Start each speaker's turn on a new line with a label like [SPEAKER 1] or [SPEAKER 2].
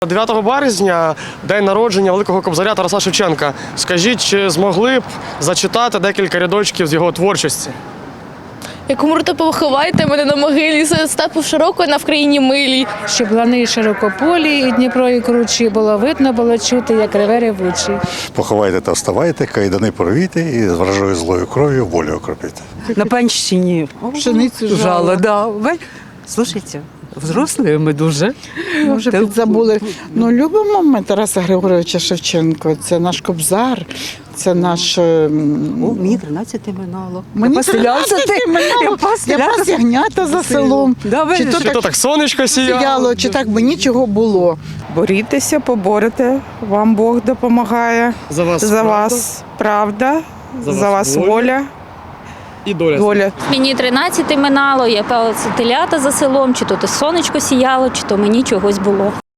[SPEAKER 1] 9 березня – день народження великого кобзаря Тараса Шевченка. Скажіть, чи змогли б зачитати декілька рядочків з його творчості?
[SPEAKER 2] Як умрете, поховайте мене на могилі, степу широкою на вкраїні милій.
[SPEAKER 3] Щоб лани широкополі, і Дніпро, і кручі, було видно, було чути, як реве ревучий.
[SPEAKER 4] Поховайте та вставайте, кайдани порвіте і з вражою злою кров'ю волю окропіте.
[SPEAKER 5] На панщині.
[SPEAKER 6] Пшеницю
[SPEAKER 5] Жало, да. Слушайте, взрослые ми дуже.
[SPEAKER 6] Може, підзабули. Ну, любимо ми Тараса Григоровича Шевченка. Це наш кобзар, це наш...
[SPEAKER 5] Мені 13 минало.
[SPEAKER 6] Мені
[SPEAKER 5] Поселявся
[SPEAKER 6] 13
[SPEAKER 5] ти.
[SPEAKER 6] минало. Я пас ягнята за селом.
[SPEAKER 5] Да,
[SPEAKER 6] Чи то
[SPEAKER 1] Чи то так сонечко сіяло?
[SPEAKER 6] сіяло, чи так би нічого було.
[SPEAKER 7] Борітеся, поборете, вам Бог допомагає.
[SPEAKER 1] За вас
[SPEAKER 7] За вас правда, за вас воля.
[SPEAKER 1] і доля.
[SPEAKER 7] Воля.
[SPEAKER 8] Мені 13 минало, я пала телята за селом, чи то сонечко сіяло, чи то мені чогось було.